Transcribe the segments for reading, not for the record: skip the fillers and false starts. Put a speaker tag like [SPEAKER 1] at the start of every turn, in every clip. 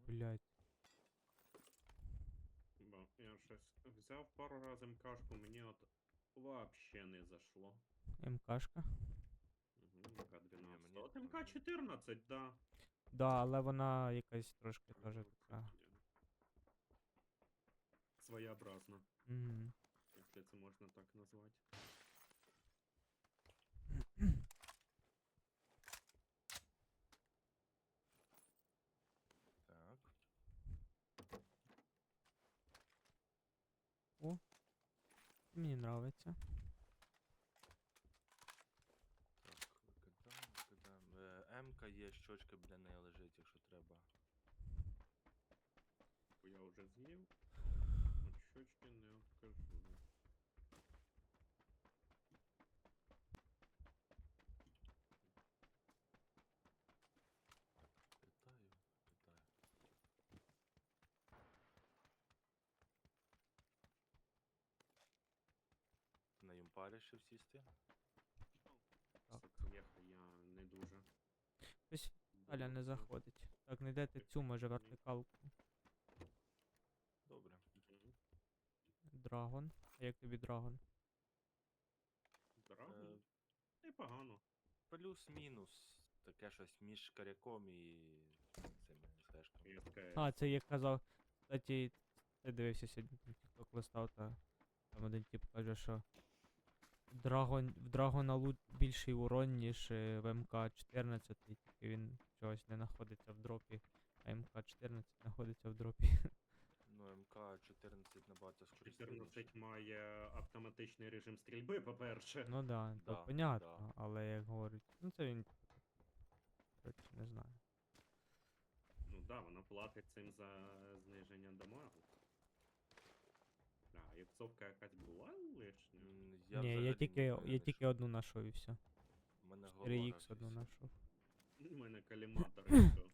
[SPEAKER 1] Блять.
[SPEAKER 2] Бо я щось взяв пару разів МКшку, мені от вообще не зашло.
[SPEAKER 1] МКшка.
[SPEAKER 2] Угу,
[SPEAKER 3] Ні,
[SPEAKER 2] МК-12.
[SPEAKER 3] мені
[SPEAKER 2] От
[SPEAKER 3] теж.
[SPEAKER 2] МК-14, да.
[SPEAKER 1] Да, але вона якась трошки теж
[SPEAKER 2] Ну,
[SPEAKER 1] така.
[SPEAKER 2] Своєобразна,
[SPEAKER 1] Угу.
[SPEAKER 2] якщо це можна так назвати.
[SPEAKER 3] Так.
[SPEAKER 1] Мені нравиться.
[SPEAKER 3] Так, викидаємо. М-ка є, щочка біля неї лежить, якщо треба.
[SPEAKER 2] Бо я вже з'їв. От щочки не откажу.
[SPEAKER 3] Питаю, питаю. Ти на юмпарі ще сісти?
[SPEAKER 1] Так.
[SPEAKER 2] Соцвєха я не дуже.
[SPEAKER 1] Ось Аля не
[SPEAKER 2] Думаю,
[SPEAKER 1] заходить. Так, не йдете цю, може, вертикалку.
[SPEAKER 3] Добре.
[SPEAKER 2] Мгм.
[SPEAKER 1] Драгон. А як тобі драгон?
[SPEAKER 2] Драгон? Непогано.
[SPEAKER 3] Плюс-мінус. Таке щось між коряком і цими флешками.
[SPEAKER 2] І СКС.
[SPEAKER 1] А, це як казав. Кстати, ти дивився сьогодні там TikTok листав, та там один тип каже, що в Драгона лут більший урон, ніж в МК-14, тільки він чогось не знаходиться в дропі, а МК-14 знаходиться в дропі.
[SPEAKER 3] Ну, МК-14 набагато скоріше.
[SPEAKER 2] 14 має автоматичний режим стрільби, по-перше.
[SPEAKER 1] Ну да, то
[SPEAKER 3] Да,
[SPEAKER 1] понятно, але як говорять, ну це він, коротше, не знаю.
[SPEAKER 2] Ну да, вона платить цим за зниження дамагу. А, іксовка якась була лишня?
[SPEAKER 1] Ні,
[SPEAKER 3] взагалі
[SPEAKER 1] я
[SPEAKER 3] не
[SPEAKER 1] тільки
[SPEAKER 3] знайшов.
[SPEAKER 1] одну знайшов і все.
[SPEAKER 3] У мене
[SPEAKER 1] 4х одну
[SPEAKER 3] знайшов.
[SPEAKER 1] знайшов.
[SPEAKER 2] У мене каліматор і все.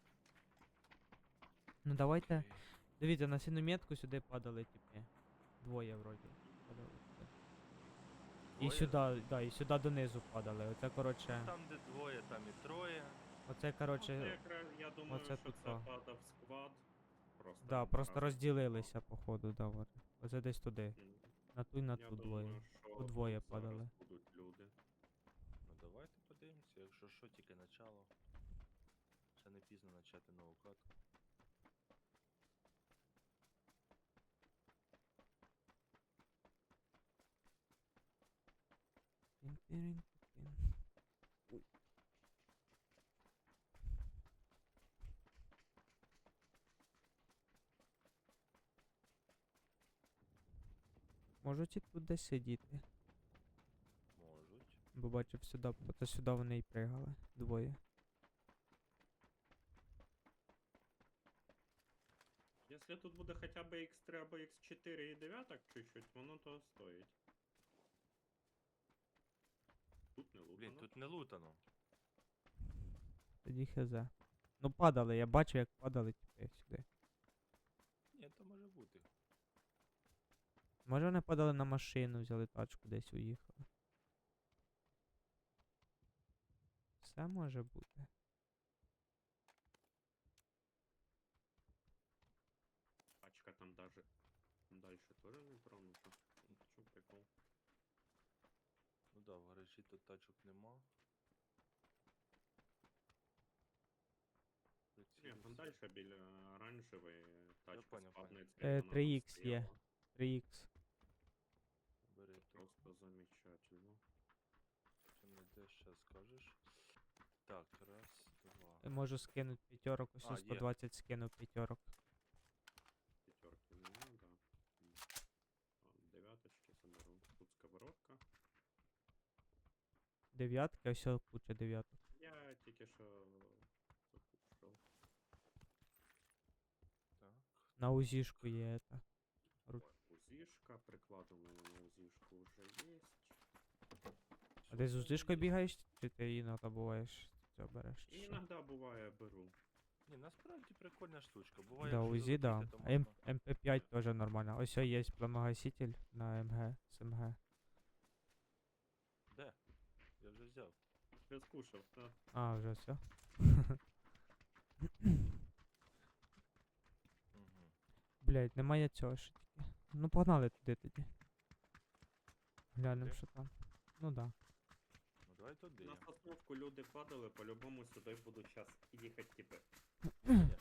[SPEAKER 1] Ну давайте. Дивіться, на синометку сюди падали, типи. Двоє вроді. Падали сюди. І сюди, да, і сюди донизу падали. Оце, коротше.
[SPEAKER 3] Там, де двоє, там і троє.
[SPEAKER 1] Оце,
[SPEAKER 2] Це
[SPEAKER 1] коротше.
[SPEAKER 2] якраз, я думаю,
[SPEAKER 1] оце
[SPEAKER 2] що
[SPEAKER 1] тут
[SPEAKER 2] це
[SPEAKER 1] то.
[SPEAKER 2] падав сквад. Просто
[SPEAKER 1] Да, просто
[SPEAKER 2] разом
[SPEAKER 1] розділилися, походу, да, от. Оце десь туди.
[SPEAKER 2] сквад.
[SPEAKER 1] На ту і на
[SPEAKER 2] Я
[SPEAKER 1] ту
[SPEAKER 2] думаю,
[SPEAKER 1] двоє.
[SPEAKER 2] що
[SPEAKER 1] Тут двоє
[SPEAKER 2] тут зараз
[SPEAKER 1] падали.
[SPEAKER 2] будуть люди.
[SPEAKER 3] Ну давайте подивимося, якщо що, тільки начало. Ще не пізно почати нову катку.
[SPEAKER 1] Тин-тирин-тин. Ой. Можуть і тут десь сидіти.
[SPEAKER 3] Можуть.
[SPEAKER 1] Бо бачив сюди, то сюди вони і пригали. Двоє.
[SPEAKER 2] Якщо тут буде хоча б X3 або X4 і 9 чуть-чуть, воно то стоїть. Тут не лутано.
[SPEAKER 3] Блін, тут не лутано.
[SPEAKER 1] Тоді хз. Ну падали, я бачив, як падали, типи, сюди.
[SPEAKER 3] Ні, то може бути.
[SPEAKER 1] Може вони падали на машину, взяли тачку, десь уїхали. Все може бути.
[SPEAKER 2] Пачка там даже дальше тоже не тронута. Чё прикол?
[SPEAKER 3] Ну да, в гаражі тут тачок нема.
[SPEAKER 2] Ні, там
[SPEAKER 3] Прицілюся.
[SPEAKER 2] дальше біля оранжевої тачка
[SPEAKER 3] поняв,
[SPEAKER 2] складницька.
[SPEAKER 1] 3х є. 3х.
[SPEAKER 3] Бери тут.
[SPEAKER 2] Просто замечательно.
[SPEAKER 3] Чи не де ще скажеш? Так, раз, два.
[SPEAKER 1] Можу скинути п'ятерок, ось
[SPEAKER 3] А, є.
[SPEAKER 1] 120 скинув п'ятерок.
[SPEAKER 2] Пятерки не надо. Девяточки заберу. Тут сковородка.
[SPEAKER 1] Дев'ятки, ось куча дев'яток.
[SPEAKER 2] Я тільки що покушав.
[SPEAKER 3] Так.
[SPEAKER 1] На узішку є это. Ру-
[SPEAKER 2] Узішка, приклад у мене на узішку вже є.
[SPEAKER 1] А ти з узішкою бігаєш, чи ти іноді буваєш це береш? чи
[SPEAKER 2] І
[SPEAKER 1] що?
[SPEAKER 2] іноді буває беру.
[SPEAKER 3] Ні, насправді прикольна штучка. Буває,
[SPEAKER 1] Да,
[SPEAKER 3] якщо
[SPEAKER 1] УЗІ, да.
[SPEAKER 3] залетіти, то
[SPEAKER 1] А
[SPEAKER 3] можна...
[SPEAKER 1] МП5 теж нормально. Ось є пламагаситель на МГ, з МГ.
[SPEAKER 3] Де? Я вже взяв.
[SPEAKER 2] Я скушав, так.
[SPEAKER 1] А, вже все. блядь, немає цього ще тільки. Ну погнали туди тоді. Глянем,
[SPEAKER 3] Туди?
[SPEAKER 1] що там. Ну да.
[SPEAKER 3] Ну давай туди.
[SPEAKER 2] На сосновку люди падали, по-любому сюди будуть час їхати, типи.
[SPEAKER 3] Звісно.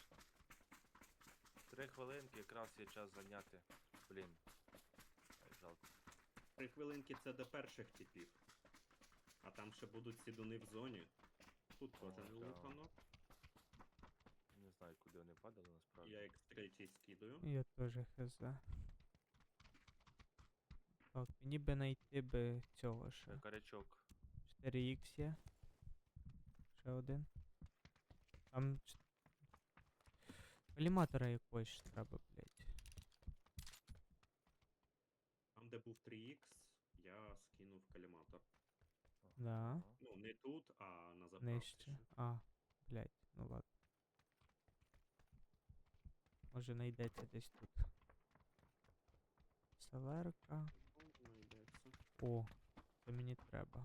[SPEAKER 3] 3 хвилинки якраз є час зайняти. Блін. Ай, жалко.
[SPEAKER 2] 3 хвилинки це до перших типів. А там ще будуть сідуни в зоні. Тут теж
[SPEAKER 3] О,
[SPEAKER 2] не
[SPEAKER 3] да.
[SPEAKER 2] лутано.
[SPEAKER 3] Не знаю, куди вони падали насправді.
[SPEAKER 2] Я X3 скидаю.
[SPEAKER 1] Я теж хз. Так, мені би знайти би цього ще.
[SPEAKER 3] Карячок.
[SPEAKER 1] 4х є. Ще один. Там коліматора якогось ж треба, блядь.
[SPEAKER 2] Там, де був 3X, я скинув коліматор.
[SPEAKER 1] Да.
[SPEAKER 3] Ага.
[SPEAKER 2] Ну, не тут, а на заправці.
[SPEAKER 1] Нижче.
[SPEAKER 2] ще.
[SPEAKER 1] А, блядь, ну ладно. Може знайдеться десь тут. Саверка.
[SPEAKER 2] Ну, знайдеться.
[SPEAKER 1] О, це мені треба.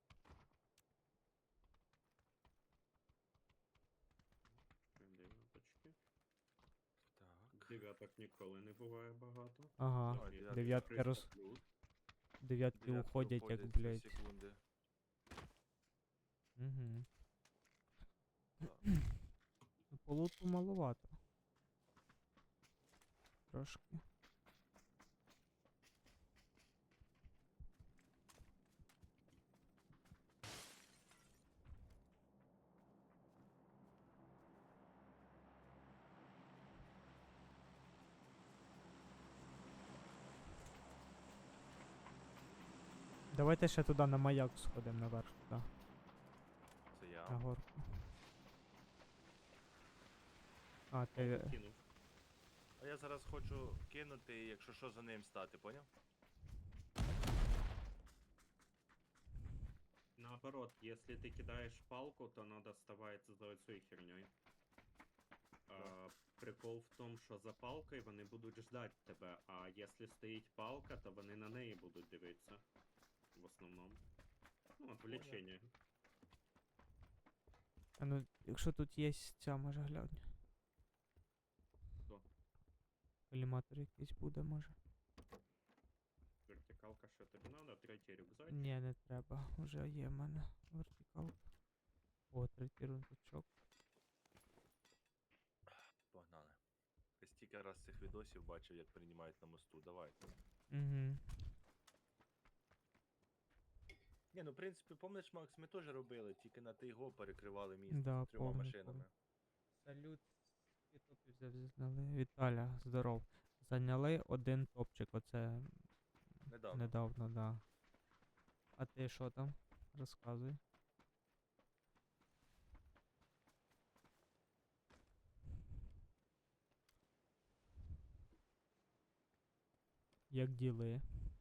[SPEAKER 2] Ще дев'яточки.
[SPEAKER 3] Так.
[SPEAKER 2] Дев'яток ніколи не буває багато.
[SPEAKER 1] Ага.
[SPEAKER 3] Ой,
[SPEAKER 2] Дев'ятки
[SPEAKER 1] дев'ятки
[SPEAKER 2] 300
[SPEAKER 1] роз-
[SPEAKER 2] плюс.
[SPEAKER 1] Дев'ятки
[SPEAKER 3] Дев'ятки
[SPEAKER 1] уходять, як,
[SPEAKER 3] уходять
[SPEAKER 1] блядь.
[SPEAKER 3] за секунди.
[SPEAKER 1] Угу.
[SPEAKER 3] Так.
[SPEAKER 1] Ну, по луту маловато. Трошки. Давайте ще туди на маяк сходимо наверх туди,
[SPEAKER 3] Це я.
[SPEAKER 1] на горку. А, ти.
[SPEAKER 2] Кинув.
[SPEAKER 3] А я зараз хочу кинути, і якщо що, за ним стати, поняв?
[SPEAKER 2] Наоборот, если ты кидаешь палку, то надо вставать за этой херней. Прикол в том, що за палкою вони будуть ждать тебе, а якщо стоїть палка, то вони на неї будуть дивитися. В основному. Ну, отвлечення.
[SPEAKER 1] А ну, якщо тут є ця, може глянь.
[SPEAKER 2] Хто?
[SPEAKER 1] Коліматор якийсь буде, може.
[SPEAKER 2] Вертикалка, що тобі надо, третій рюкзак.
[SPEAKER 1] Ні, не треба. Уже є в мене вертикалка. О, третій рундучок.
[SPEAKER 3] Погнали. Я стільки раз цих відосів бачив, як приймають на мосту. Давайте.
[SPEAKER 1] Угу.
[SPEAKER 3] Ні, ну в принципі, помниш, Макс, ми теж робили, тільки на Тайго перекривали місто
[SPEAKER 1] Да,
[SPEAKER 3] з 3
[SPEAKER 1] помню,
[SPEAKER 3] машинами.
[SPEAKER 1] Салют. Скільки топів зняли? Віталя, здоров. Зайняли один топчик, оце
[SPEAKER 3] Недавно.
[SPEAKER 1] недавно, да. А ти що там? Розказуй. Як діли?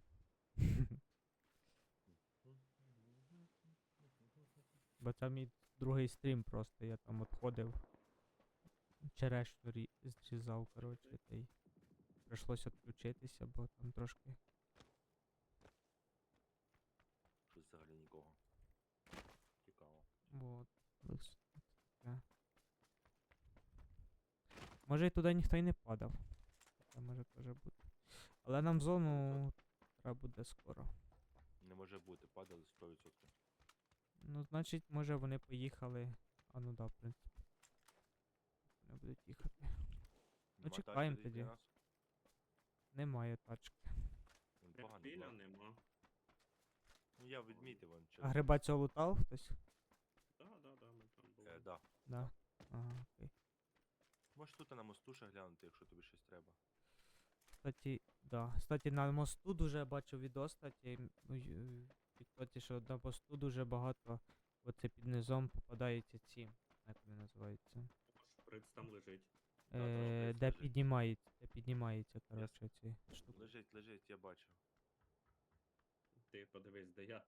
[SPEAKER 1] Бо це мій другий стрім просто, я там отходив. Черешню зрізав, коротше, та й прийшлося відключитися, бо там трошки.
[SPEAKER 3] Щось взагалі нікого. Цікаво.
[SPEAKER 1] Вот. Таке. Може і туди ніхто й не падав. Це може теж бути. Але нам зону треба буде скоро.
[SPEAKER 3] Не може бути, падали 100%.
[SPEAKER 1] Ну, значить, може вони поїхали. А ну да, в принципі. Вони будуть їхати.
[SPEAKER 3] Нема тачки
[SPEAKER 1] чекаємо
[SPEAKER 3] десь
[SPEAKER 1] тоді.
[SPEAKER 3] для нас?
[SPEAKER 1] Немає тачки.
[SPEAKER 3] Він поганий
[SPEAKER 2] Рептиля
[SPEAKER 3] була.
[SPEAKER 2] нема.
[SPEAKER 3] Ну я відмітив вон
[SPEAKER 1] А
[SPEAKER 3] через.
[SPEAKER 1] гриба цього лутав хтось?
[SPEAKER 2] Да, ми там були.
[SPEAKER 3] Да.
[SPEAKER 1] Да. Ага, окей.
[SPEAKER 3] Можеш тут на мосту ще глянути, якщо тобі щось треба.
[SPEAKER 1] Кстати, да. Кстати, на мосту дуже бачу відос, кстати, в тіктоці, що на мосту дуже багато оце під низом попадаються ці. Як вони називаються?
[SPEAKER 2] Шприц там лежить.
[SPEAKER 3] Да, там шприц
[SPEAKER 1] Де
[SPEAKER 3] лежить.
[SPEAKER 1] піднімається, коротше, ці штуки.
[SPEAKER 3] Лежить, я бачив.
[SPEAKER 2] Ти подивись, де я.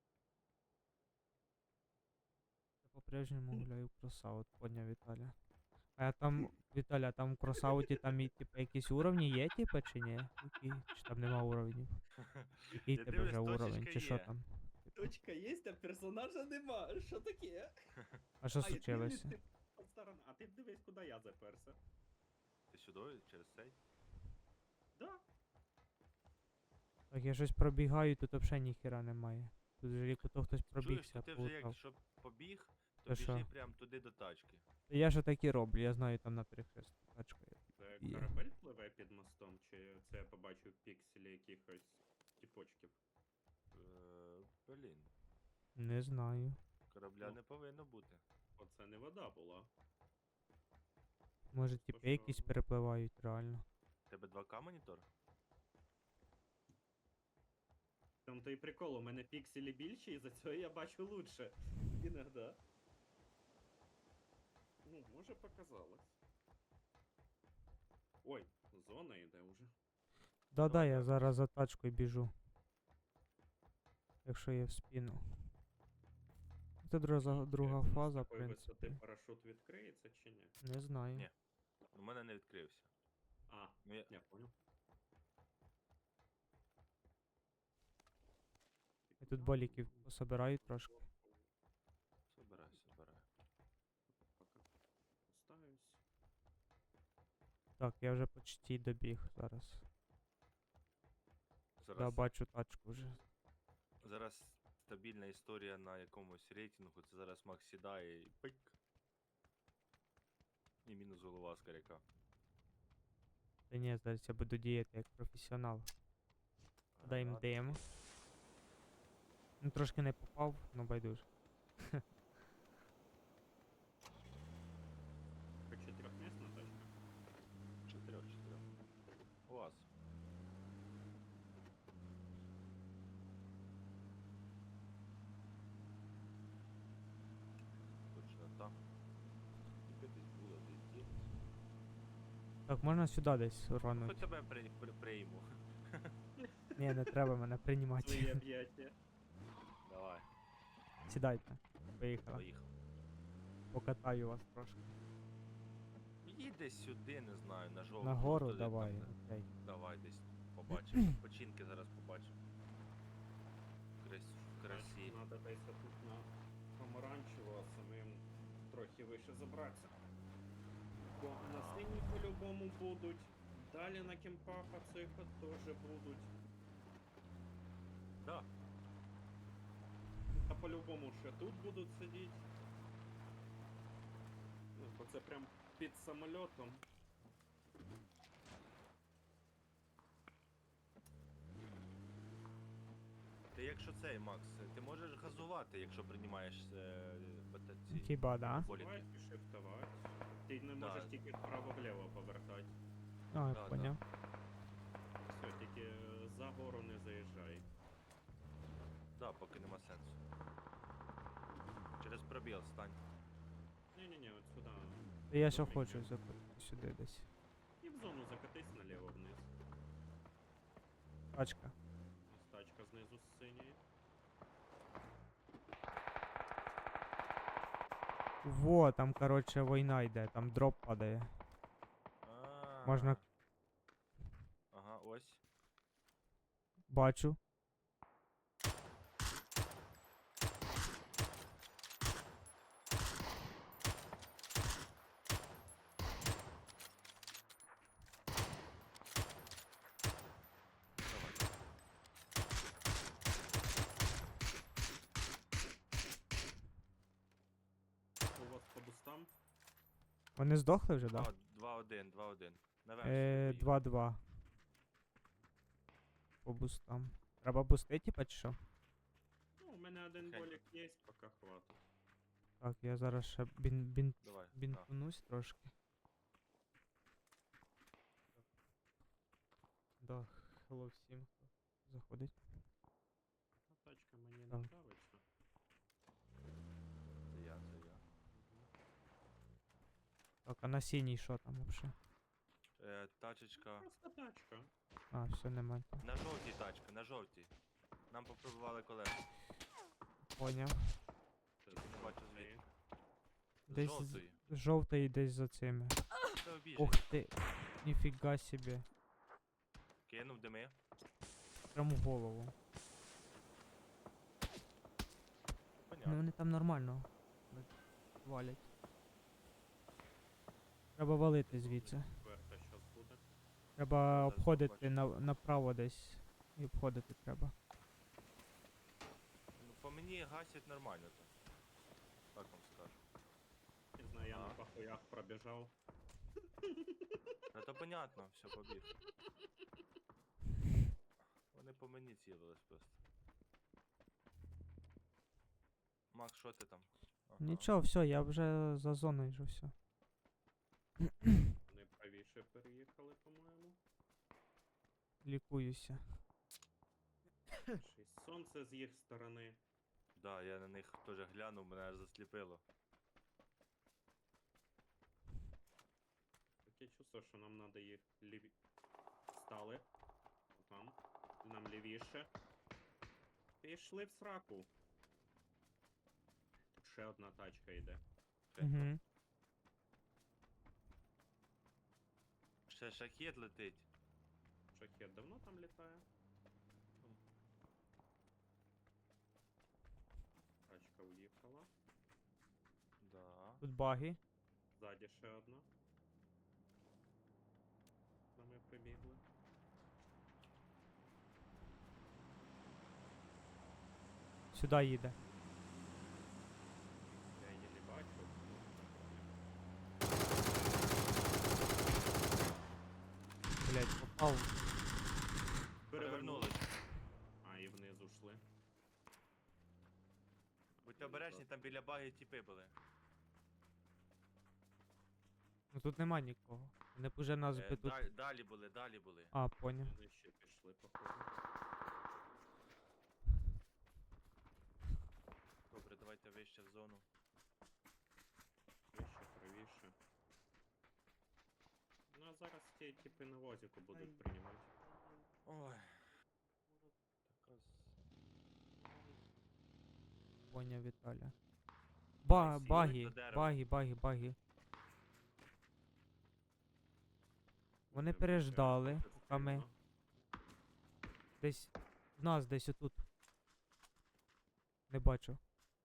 [SPEAKER 1] Я по-прежньому гуляю в кросаут, поняв Віталя. А я там, Віталя, там в кросауті там і типу якісь уровні є, типу, чи ні? Чи там нема уровнів? Який
[SPEAKER 3] Я
[SPEAKER 1] тебе
[SPEAKER 3] дивлюсь,
[SPEAKER 1] вже уровень,
[SPEAKER 3] точечка
[SPEAKER 1] чи що
[SPEAKER 3] є.
[SPEAKER 1] там?
[SPEAKER 4] Точка є, а персонажа нема. Що таке?
[SPEAKER 1] А що
[SPEAKER 2] А, я
[SPEAKER 1] случилося?
[SPEAKER 2] дивлюсь, ти по сторонам. А ти дивись, куди я заперся.
[SPEAKER 3] Ти сюди через цей?
[SPEAKER 2] Да.
[SPEAKER 1] Так, я щось пробігаю, тут взагалі ніхіра немає. Тут же як ото хтось
[SPEAKER 3] Чуєш,
[SPEAKER 1] пробігся,
[SPEAKER 3] то ти вже
[SPEAKER 1] полутав.
[SPEAKER 3] якщо побіг, то
[SPEAKER 1] Та
[SPEAKER 3] біжи
[SPEAKER 1] що?
[SPEAKER 3] прям туди до тачки.
[SPEAKER 1] Я ж так і роблю, я знаю там на перехрестку тачка є.
[SPEAKER 2] Це
[SPEAKER 1] Є.
[SPEAKER 2] корабель пливе під мостом, чи це я побачив пікселі якихось тіпочків?
[SPEAKER 3] Блін,
[SPEAKER 1] Не знаю.
[SPEAKER 3] корабля
[SPEAKER 2] Ну.
[SPEAKER 3] не повинно бути.
[SPEAKER 2] Оце не вода була.
[SPEAKER 1] Може
[SPEAKER 2] То
[SPEAKER 1] типи якісь
[SPEAKER 2] що?
[SPEAKER 1] перепливають реально.
[SPEAKER 3] Тебе 2К монітор?
[SPEAKER 2] Там той прикол, у мене пікселі більші, і за цього я бачу лучше. Іногда. Ну, може показалось. Ой, зона йде уже.
[SPEAKER 1] Да-да,
[SPEAKER 3] Давай,
[SPEAKER 1] я
[SPEAKER 3] давай.
[SPEAKER 1] зараз за тачкою біжу. Якщо є в спину. Це друга
[SPEAKER 2] Інтересно, з
[SPEAKER 1] фаза, в
[SPEAKER 2] такої висоти
[SPEAKER 1] принципі.
[SPEAKER 2] парашут відкриється чи ні?
[SPEAKER 1] Не знаю.
[SPEAKER 3] Ні. У мене не відкрився.
[SPEAKER 2] А,
[SPEAKER 3] Ну, я...
[SPEAKER 2] я понял.
[SPEAKER 1] Я тут боліків пособираю трошки.
[SPEAKER 3] Собирай, собирай.
[SPEAKER 2] Пока поставлюсь.
[SPEAKER 1] Так, я вже почти добіг зараз. Да,
[SPEAKER 3] Зараз,
[SPEAKER 1] бачу тачку вже.
[SPEAKER 3] зараз стабільна історія на якомусь рейтингу. Це зараз Макс сідає і пик. І мінус голова з коряка.
[SPEAKER 1] Та ні, зараз я буду діяти як професіонал. Дай їм
[SPEAKER 3] Гранати.
[SPEAKER 1] дим. Ну трошки не попав, ну байдуже.
[SPEAKER 2] Хоч чотирьохмісна тачка.
[SPEAKER 3] 4. УАЗ. Точно так. Тільки десь було, десь ділись.
[SPEAKER 1] Так, можна сюди десь
[SPEAKER 3] Хоч
[SPEAKER 1] рануть.
[SPEAKER 3] тебе прийму.
[SPEAKER 1] Ні, не треба мене
[SPEAKER 2] Свої
[SPEAKER 1] приймати.
[SPEAKER 2] об'яття.
[SPEAKER 3] Давай,
[SPEAKER 1] Сідайте. Поїхали.
[SPEAKER 3] поїхав.
[SPEAKER 1] Покатаю вас трошки.
[SPEAKER 3] Їдь десь сюди, не знаю, на жовту.
[SPEAKER 1] Нагору
[SPEAKER 3] туди,
[SPEAKER 1] давай,
[SPEAKER 3] там, де-
[SPEAKER 1] окей.
[SPEAKER 3] Давай десь побачимо. Починки зараз побачимо. В красі.
[SPEAKER 2] Надо десь тут на помаранчево, а самим трохи вище забратися. Бо на синій по-любому будуть. Далі на кемпах цих теж будуть.
[SPEAKER 3] Да.
[SPEAKER 2] Та по-любому ще тут будуть сидіти. Ну, бо це прям під самольотом.
[SPEAKER 3] Ти якщо цей, Макс, ти можеш газувати, якщо приймаєш ці
[SPEAKER 1] Хіба, да?
[SPEAKER 3] боліки.
[SPEAKER 2] Давай шифтувати. Ти не
[SPEAKER 3] Да.
[SPEAKER 2] можеш тільки вправо-вліво повертати.
[SPEAKER 1] А,
[SPEAKER 3] Да,
[SPEAKER 1] поняв.
[SPEAKER 2] Все, тільки за гору не заїжджай.
[SPEAKER 3] Да, поки нема сенсу. Через пробіл стань.
[SPEAKER 2] Ні-ні-ні, от сюди.
[SPEAKER 1] Та я що
[SPEAKER 2] Добренько.
[SPEAKER 1] хочу закрути сюди десь.
[SPEAKER 2] І в зону закатись наліво вниз.
[SPEAKER 1] Тачка.
[SPEAKER 2] Ось тачка знизу з синьої.
[SPEAKER 1] Во, там, короче, війна йде, там дроп падає. Можна-
[SPEAKER 3] Ага, ось.
[SPEAKER 1] Бачу.
[SPEAKER 3] Давай.
[SPEAKER 2] У вас по бустам?
[SPEAKER 1] Вони здохли вже, да?
[SPEAKER 3] 2-1, 2-1. Наверх.
[SPEAKER 1] 2-2. По бустам. Треба бусти, типа, чи що?
[SPEAKER 2] Ну, у мене один
[SPEAKER 3] Хай.
[SPEAKER 2] болік є, поки хватить.
[SPEAKER 1] Так, я зараз ще
[SPEAKER 3] Давай. на.
[SPEAKER 1] бінтунусь трошки. Да, hello всім, хто заходить.
[SPEAKER 2] А тачка мені не
[SPEAKER 1] Так.
[SPEAKER 2] нравиться.
[SPEAKER 3] Це я, це я.
[SPEAKER 1] Так, а на синій що там вообще?
[SPEAKER 3] Тачечка.
[SPEAKER 2] Просто тачка.
[SPEAKER 1] А, все, нема. там.
[SPEAKER 3] На жовтій тачка, на жовтій. Нам попробували колеса.
[SPEAKER 1] Поняв.
[SPEAKER 2] Це
[SPEAKER 3] Не бачу
[SPEAKER 2] з
[SPEAKER 3] звідки. З
[SPEAKER 1] Десь
[SPEAKER 3] жовтої.
[SPEAKER 1] жовтий десь за цими.
[SPEAKER 3] Це обіжить.
[SPEAKER 1] Ух ти, ніфіга собі.
[SPEAKER 3] Кинув дими.
[SPEAKER 1] Прям в голову. Ну
[SPEAKER 3] Понятно.
[SPEAKER 1] вони там нормально валять. Треба валити звідси.
[SPEAKER 2] Верта щас буде.
[SPEAKER 1] Треба
[SPEAKER 3] зараз
[SPEAKER 1] обходити
[SPEAKER 3] побачу.
[SPEAKER 1] направо десь. І обходити треба.
[SPEAKER 3] Ну, по мені гасять нормально так. Так вам скажу.
[SPEAKER 2] Не знаю, я на
[SPEAKER 3] Ага.
[SPEAKER 2] пахоях пробіжав.
[SPEAKER 3] Ну то понятно, все, побіг. Вони по мені цілились просто. Макс, що ти там? Ага.
[SPEAKER 1] Нічого, все, я вже за зоною вже все.
[SPEAKER 2] Вони правіше переїхали, по-моєму.
[SPEAKER 1] Лікуюся.
[SPEAKER 2] Ще й сонце з їх сторони.
[SPEAKER 3] Да, я на них теж глянув, мене аж засліпило.
[SPEAKER 2] Таке чувство, що нам треба їх ліві... Стали. Там. Нам лівіше. Пішли в сраку. Тут ще одна тачка йде.
[SPEAKER 1] Угу.
[SPEAKER 3] Ще шахет летить.
[SPEAKER 2] Шахет давно там літає. Тачка уїхала.
[SPEAKER 3] Да.
[SPEAKER 1] Тут баги.
[SPEAKER 2] Ззаді ще одна. Та ми прибігли.
[SPEAKER 1] Сюди їде.
[SPEAKER 2] Я її не бачу.
[SPEAKER 1] Блять, попав.
[SPEAKER 3] Перевернулись.
[SPEAKER 2] А, і вниз ушли.
[SPEAKER 3] Будьте обережні, там біля баги тіпи були.
[SPEAKER 1] Ну тут нема нікого. Вони б уже нас би тут.
[SPEAKER 3] Далі були, далі були.
[SPEAKER 1] А, поняв.
[SPEAKER 2] Вони ще пішли, походу.
[SPEAKER 3] Добре, давайте вище в зону.
[SPEAKER 2] Вище, правіше. Ну а зараз ті типи на возику будуть приймати.
[SPEAKER 3] Ой. Така
[SPEAKER 1] Поняв, Віталя.
[SPEAKER 3] Ай, сіли
[SPEAKER 1] Баги,
[SPEAKER 3] до дерева.
[SPEAKER 1] баги. Вони
[SPEAKER 2] Це
[SPEAKER 1] переждали,
[SPEAKER 2] виходить
[SPEAKER 1] поки ми
[SPEAKER 2] сильно.
[SPEAKER 1] десь. В нас десь отут. Не бачу.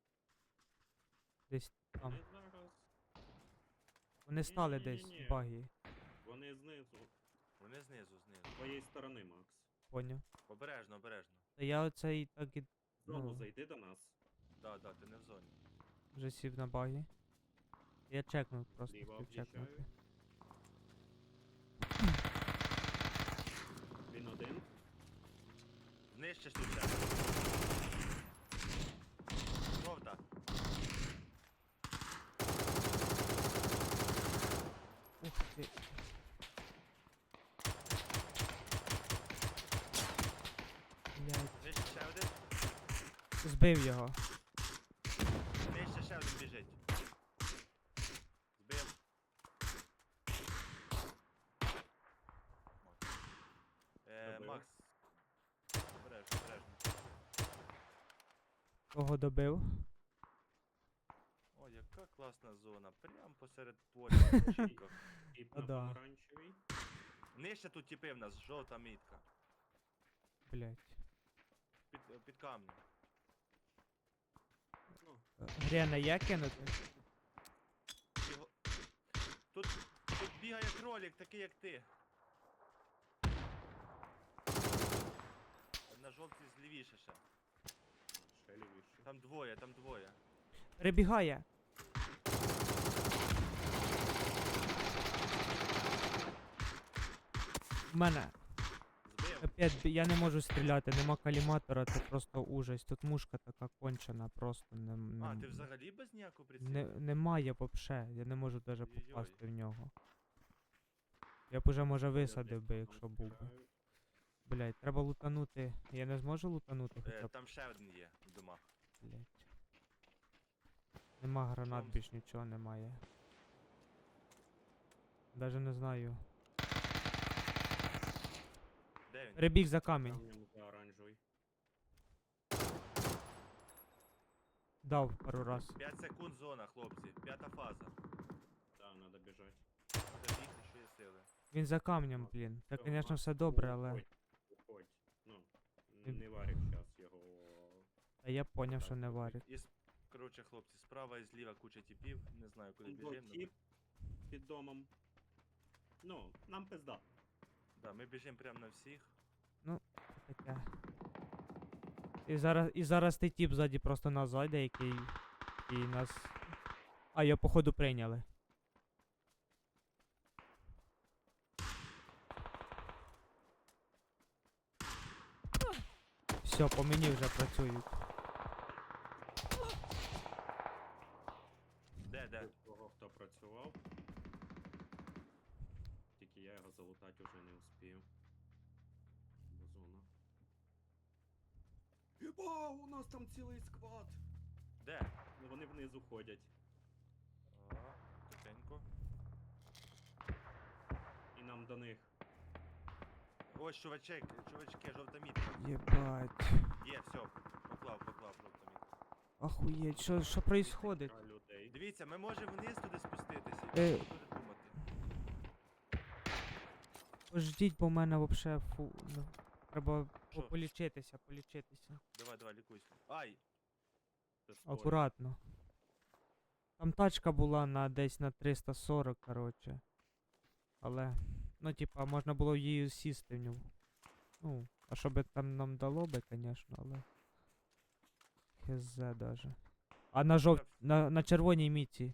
[SPEAKER 1] Десь там.
[SPEAKER 2] Вони зараз...
[SPEAKER 1] Вони стали десь
[SPEAKER 2] Ні-ні-ні-ні.
[SPEAKER 1] баги.
[SPEAKER 2] Вони знизу.
[SPEAKER 3] Вони знизу.
[SPEAKER 2] З твоєї сторони, Макс.
[SPEAKER 1] Поняв.
[SPEAKER 3] Обережно, обережно.
[SPEAKER 1] Та я оцей так і
[SPEAKER 2] В зону
[SPEAKER 1] Ну.
[SPEAKER 2] зайди до нас.
[SPEAKER 3] Да, ти не в зоні.
[SPEAKER 1] вже сів на баги. Я чекнув просто,
[SPEAKER 2] Зліва
[SPEAKER 1] хотів чекнути.
[SPEAKER 2] об'їжджають. Він один.
[SPEAKER 3] Знищиш тут ще. Жовта.
[SPEAKER 1] Ух ти. Блядь.
[SPEAKER 3] Знищиш ще один.
[SPEAKER 1] Збив його.
[SPEAKER 3] Знищиш ще один біжить. Збив.
[SPEAKER 2] Добив.
[SPEAKER 3] Макс. Обережно.
[SPEAKER 1] Кого добив?
[SPEAKER 3] О, яка класна зона. Прям посеред поля. на кочівках.
[SPEAKER 2] Тип
[SPEAKER 1] А,
[SPEAKER 2] на
[SPEAKER 1] да.
[SPEAKER 2] помаранчевій.
[SPEAKER 3] Нижче тут тіпи в нас, жовта мітка.
[SPEAKER 1] Блять.
[SPEAKER 3] Під камнем.
[SPEAKER 2] Ну,
[SPEAKER 1] Грена є кинути?
[SPEAKER 3] Його... Тут бігає кролик, такий як ти. На жовтій злівіше ще.
[SPEAKER 2] ще лівіше.
[SPEAKER 3] Там двоє.
[SPEAKER 1] Перебігає. У мене.
[SPEAKER 3] Збив.
[SPEAKER 1] Капець, я не можу стріляти, нема каліматора, це просто ужас. Тут мушка така кончена, просто
[SPEAKER 3] А, ти взагалі без ніякого прицілу?
[SPEAKER 1] немає вообще, я не можу даже
[SPEAKER 3] Ой-ой-ой.
[SPEAKER 1] попасти в нього. Я б уже може висадив би, якщо був би. Блять, треба лутанути. Я не зможу лутанути хоча б,
[SPEAKER 3] Там ще один є в домах.
[SPEAKER 1] блять. Нема гранат,
[SPEAKER 3] Чому?
[SPEAKER 1] більш нічого немає. Даже не знаю.
[SPEAKER 3] Де він?
[SPEAKER 1] Перебіг за камінь.
[SPEAKER 2] Камнем за оранжевий.
[SPEAKER 1] Дав пару раз.
[SPEAKER 3] 5 секунд зона, хлопці. 5-та фаза.
[SPEAKER 2] Да, надо біжать.
[SPEAKER 3] Треба бігти, що є сили.
[SPEAKER 1] Він за камнем, блін. Це,
[SPEAKER 2] Всё,
[SPEAKER 1] звісно,
[SPEAKER 2] Макс,
[SPEAKER 1] все добре, але.
[SPEAKER 2] Уходь. Ну,
[SPEAKER 1] Він-
[SPEAKER 2] не варик зараз його.
[SPEAKER 1] Та я поняв, що
[SPEAKER 2] Так,
[SPEAKER 1] не
[SPEAKER 2] добре.
[SPEAKER 1] варить.
[SPEAKER 3] Коротше, хлопці, справа і зліва куча тіпів. Не знаю, куди
[SPEAKER 2] Тут був
[SPEAKER 3] біжимо.
[SPEAKER 2] тіп під домом. Ну, нам пизда.
[SPEAKER 3] Да, ми біжимо прямо на всіх.
[SPEAKER 1] Таке. І зараз той тіп ззаді просто нас зайде, який. І нас. А, його походу прийняли. Все, по мені вже працюють.
[SPEAKER 3] Де?
[SPEAKER 2] Кого хто працював. Тільки я його залутати вже не успію. Бо зона. Єба, у нас там цілий сквад!
[SPEAKER 3] Де?
[SPEAKER 2] Ну вони внизу ходять.
[SPEAKER 3] Тихенько.
[SPEAKER 2] І нам до них.
[SPEAKER 3] Ось чувачки, жовта мітка.
[SPEAKER 1] Єбать.
[SPEAKER 3] Є, все, поклав жовта мітка.
[SPEAKER 1] Охуєть, що происходить?
[SPEAKER 2] Кілька людей.
[SPEAKER 3] Дивіться, ми можемо вниз туди спуститися.
[SPEAKER 1] Е.
[SPEAKER 3] Що буде думати?
[SPEAKER 1] Пождіть, бо в мене вообще фу. Ну, треба
[SPEAKER 3] Що?
[SPEAKER 1] полічитися.
[SPEAKER 3] Давай, лікуйся. Ай!
[SPEAKER 2] Це спорт.
[SPEAKER 1] Акуратно. Там тачка була десь на 340, коротше. Але. Ну, типа, можна було її сісти в нього. Ну, а що би там нам дало би, звісно, але. Хз даже. А на червоній міці.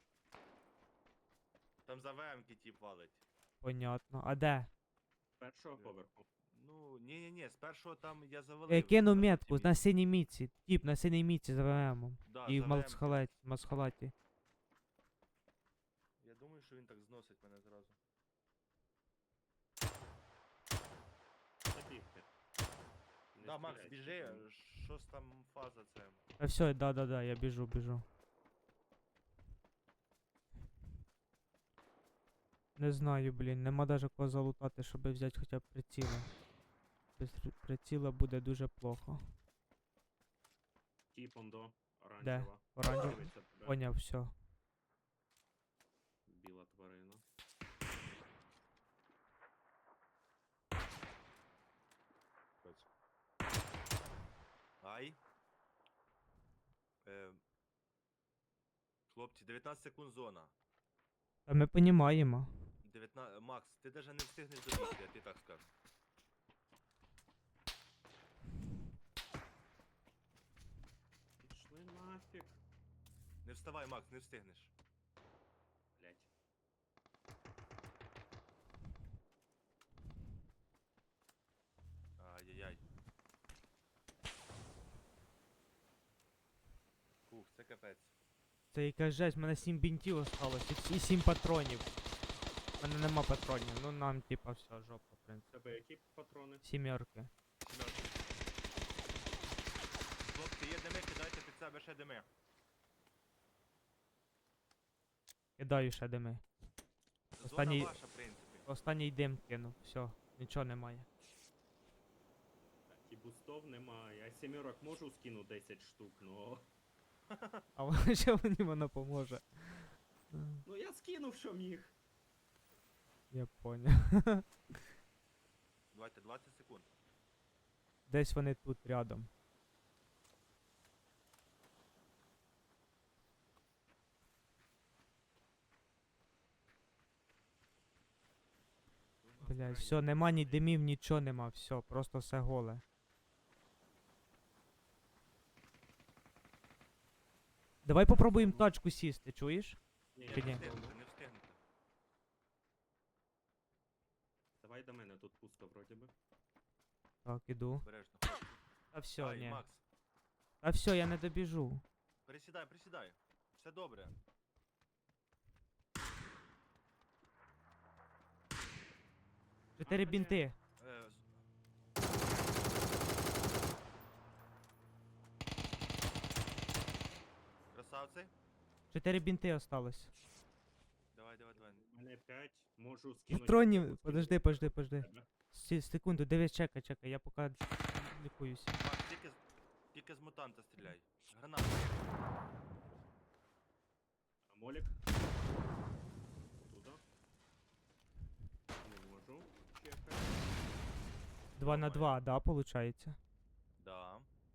[SPEAKER 3] Там за ВМ-ки тіп валить.
[SPEAKER 1] Понятно. А де?
[SPEAKER 2] З першого поверху.
[SPEAKER 3] Ну, ні, з першого там я завалив.
[SPEAKER 1] Я кину
[SPEAKER 3] на
[SPEAKER 1] метку
[SPEAKER 3] жовтій
[SPEAKER 1] на
[SPEAKER 3] мітці.
[SPEAKER 1] синій міці. Тіп на синій міці за ВМом.
[SPEAKER 3] Да,
[SPEAKER 1] І
[SPEAKER 3] за
[SPEAKER 1] в
[SPEAKER 3] ВМ-ки.
[SPEAKER 1] масхалаті.
[SPEAKER 3] Я думаю, що він так зносить мене зразу.
[SPEAKER 2] Забігти. Не
[SPEAKER 3] Да, Макс,
[SPEAKER 2] стріляй,
[SPEAKER 3] біжи,
[SPEAKER 2] тільки.
[SPEAKER 3] що ж там фаза це?
[SPEAKER 1] А все, да, я біжу. Не знаю, блін, нема даже кого залутати, щоб взяти хоча б приціла. Без приціла буде дуже плохо.
[SPEAKER 2] Тіпондо,
[SPEAKER 1] Де?
[SPEAKER 2] оранжева.
[SPEAKER 1] Оранжева?
[SPEAKER 2] Дивиться тебе.
[SPEAKER 1] Поняв, все.
[SPEAKER 2] Біла тварина.
[SPEAKER 3] Ай. Хлопці, 19 секунд зона.
[SPEAKER 1] Та ми понімаємо.
[SPEAKER 3] 19... Макс, ти даже не встигнеш добігти, я тобі так скажу.
[SPEAKER 2] Пішли нафіг.
[SPEAKER 3] Не вставай, Макс, не встигнеш.
[SPEAKER 2] Блять.
[SPEAKER 3] Ай-яй-яй. Фух, це капець.
[SPEAKER 1] Це якась жесть, в мене 7 бінтів осталось і 7 патронів. У мене нема патронів, ну нам типа все, жопа, в принципі.
[SPEAKER 2] Тебе які патрони?
[SPEAKER 1] Сімерки.
[SPEAKER 3] Сімерки. Хлопці, є дими, кидайте під себе ще дими.
[SPEAKER 1] Кидаю ще дими.
[SPEAKER 3] Зона
[SPEAKER 1] Останній-
[SPEAKER 3] ваша, в принципі.
[SPEAKER 1] Останній дим кинув, все, нічого немає.
[SPEAKER 2] Так, і бустов немає. Я сімерок можу скину 10 штук, но...
[SPEAKER 1] А що мені воно поможе?
[SPEAKER 2] Ну я скинув, що міг.
[SPEAKER 1] Я поняв.
[SPEAKER 3] Давайте 20 секунд.
[SPEAKER 1] Десь вони тут рядом. Блядь, все, нема ні димів, нічого нема, все, просто все голе. Давай попробуємо тачку сісти, чуєш?
[SPEAKER 2] Ні,
[SPEAKER 1] Чи
[SPEAKER 2] я
[SPEAKER 1] ні?
[SPEAKER 2] не
[SPEAKER 3] Не
[SPEAKER 2] встигну.
[SPEAKER 3] встигнете, не встигнете.
[SPEAKER 2] Давай до мене, тут пусто вроді би.
[SPEAKER 1] Так, іду.
[SPEAKER 3] Обережно.
[SPEAKER 1] Та все,
[SPEAKER 3] Ай,
[SPEAKER 1] ні.
[SPEAKER 3] Макс,
[SPEAKER 1] Та все, я не добіжу.
[SPEAKER 3] присідай. Все добре.
[SPEAKER 1] Чотири
[SPEAKER 2] блядь.
[SPEAKER 1] бінти.
[SPEAKER 3] Красавці.
[SPEAKER 1] 4 бінти осталось.
[SPEAKER 3] Давай.
[SPEAKER 2] У мене 5, можу скинути.
[SPEAKER 1] Патронів.
[SPEAKER 2] можу
[SPEAKER 1] Подожди.
[SPEAKER 2] тебе.
[SPEAKER 1] Секунду, дивись, чекай, я поки лікуюся.
[SPEAKER 3] Макс, тільки з мутанта стріляй. Граната.
[SPEAKER 2] А молік? Туда. Не можу. Чекай.
[SPEAKER 1] 2 на 2, да, получається.
[SPEAKER 3] Да.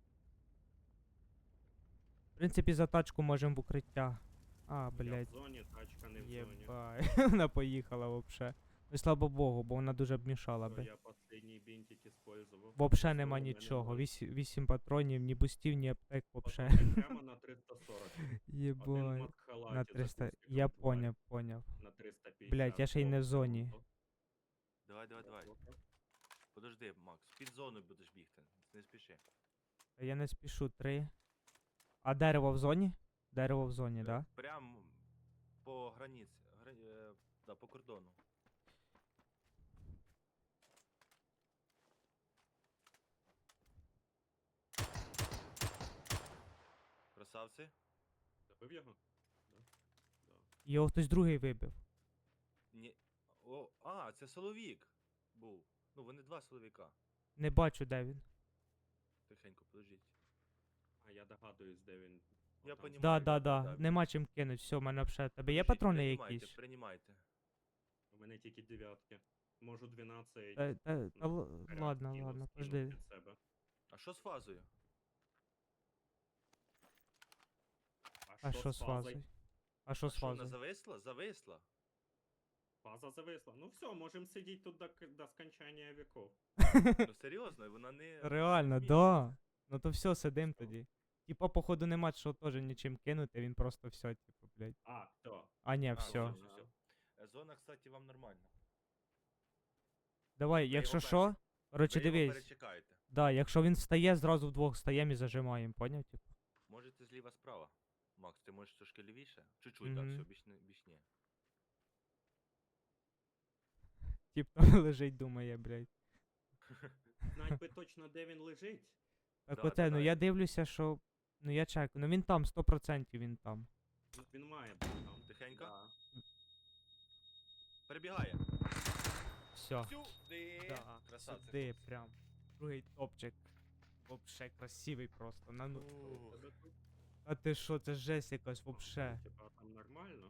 [SPEAKER 1] В принципі, за тачку можемо в укриття. А,
[SPEAKER 2] Я в
[SPEAKER 1] блядь.
[SPEAKER 2] зоні, тачка не в зоні.
[SPEAKER 1] Єбай. Вона поїхала вообще. Ну, слава Богу, бо вона дуже б мішала
[SPEAKER 2] То
[SPEAKER 1] би.
[SPEAKER 2] я последній бінтик использував.
[SPEAKER 1] Вообще
[SPEAKER 2] Всё,
[SPEAKER 1] нема
[SPEAKER 2] у мене
[SPEAKER 1] нічого.
[SPEAKER 2] ноль.
[SPEAKER 1] 8 патронів, ні бустів, ні аптек, вообще.
[SPEAKER 2] Пацани, прямо на 340. Один
[SPEAKER 1] Єбать.
[SPEAKER 2] матхалаті
[SPEAKER 1] На
[SPEAKER 2] за
[SPEAKER 1] 300.
[SPEAKER 2] кустиком
[SPEAKER 1] Я
[SPEAKER 2] тварь.
[SPEAKER 1] поняв.
[SPEAKER 2] На 350.
[SPEAKER 1] Блядь, я ще й не в
[SPEAKER 2] О,
[SPEAKER 1] зоні.
[SPEAKER 2] круто.
[SPEAKER 3] Давай. Подожди, Макс, під зону будеш бігти. Не спіши.
[SPEAKER 1] Та я не спішу, 3. А дерево в зоні? Дерево в зоні, да?
[SPEAKER 3] Прям по границі. Да, по кордону. Красавці.
[SPEAKER 2] Забив його? Да. Да.
[SPEAKER 1] Його хтось другий вибив.
[SPEAKER 3] Ні. Це Соловік був. Ну, вони два Соловіка.
[SPEAKER 1] Не бачу, де він.
[SPEAKER 3] Тихенько, подождіть.
[SPEAKER 2] А я догадуюсь, де він.
[SPEAKER 3] Я
[SPEAKER 2] Отам.
[SPEAKER 3] понімаю.
[SPEAKER 1] Да. Нема чим кинуть. Все, в мене вже. Тебе є
[SPEAKER 3] Подождіть,
[SPEAKER 1] патрони
[SPEAKER 3] приймайте,
[SPEAKER 1] якісь?
[SPEAKER 3] Приймайте.
[SPEAKER 2] У мене тільки дев'ятки. Можу 12.
[SPEAKER 1] Ладно,
[SPEAKER 2] скину
[SPEAKER 1] ладно, подожди.
[SPEAKER 2] під себе.
[SPEAKER 3] А що з фазою?
[SPEAKER 1] А що з
[SPEAKER 2] фазою?
[SPEAKER 1] фазою? А що з
[SPEAKER 3] Що, вона
[SPEAKER 1] фазою?
[SPEAKER 3] зависла? Зависла.
[SPEAKER 2] Фаза зависла. Ну все, можемо сидіти тут до скончання віков.
[SPEAKER 3] Ну серйозно, вона не...
[SPEAKER 1] Реально,
[SPEAKER 3] змінюється.
[SPEAKER 1] да. Ну то все, сидим
[SPEAKER 2] Що?
[SPEAKER 1] тоді. Типа, походу, нема що теж нічим кинути, він просто все, типу, блядь.
[SPEAKER 2] А, то.
[SPEAKER 1] А ні,
[SPEAKER 3] А,
[SPEAKER 1] все.
[SPEAKER 3] всё. Зона, кстати, вам нормально.
[SPEAKER 1] Давай,
[SPEAKER 3] його
[SPEAKER 1] якщо
[SPEAKER 3] перший.
[SPEAKER 1] що, коротше,
[SPEAKER 3] Ви його
[SPEAKER 1] дивись.
[SPEAKER 3] перечекаєте.
[SPEAKER 1] Да, якщо він встає, зразу вдвох встаємо і зажимаємо, поняв? Типу.
[SPEAKER 3] Можете зліва-справа. Макс, ти можеш трошки лівіше? Чуть-чуть, так,
[SPEAKER 1] Мгм.
[SPEAKER 3] все, більш ні.
[SPEAKER 1] Тип там лежить, думає, блядь.
[SPEAKER 2] Знать би точно, де він лежить.
[SPEAKER 1] Так
[SPEAKER 3] Да,
[SPEAKER 1] оте,
[SPEAKER 3] да,
[SPEAKER 1] ну
[SPEAKER 3] да.
[SPEAKER 1] я дивлюся, що. Ну я чекаю, ну він там, 100% він там.
[SPEAKER 2] Ну, він має бути там.
[SPEAKER 3] Тихенько.
[SPEAKER 2] Да.
[SPEAKER 3] Перебігає.
[SPEAKER 1] Все.
[SPEAKER 3] Сюди.
[SPEAKER 1] Да,
[SPEAKER 3] Красавці.
[SPEAKER 1] сюди
[SPEAKER 3] хлопці.
[SPEAKER 1] прям. Другий топчик. Вообще красивий просто.
[SPEAKER 2] Що
[SPEAKER 1] Ну,
[SPEAKER 2] у тебе тут?
[SPEAKER 1] а ти що, це жесть якась вообще.
[SPEAKER 2] Типа там нормально.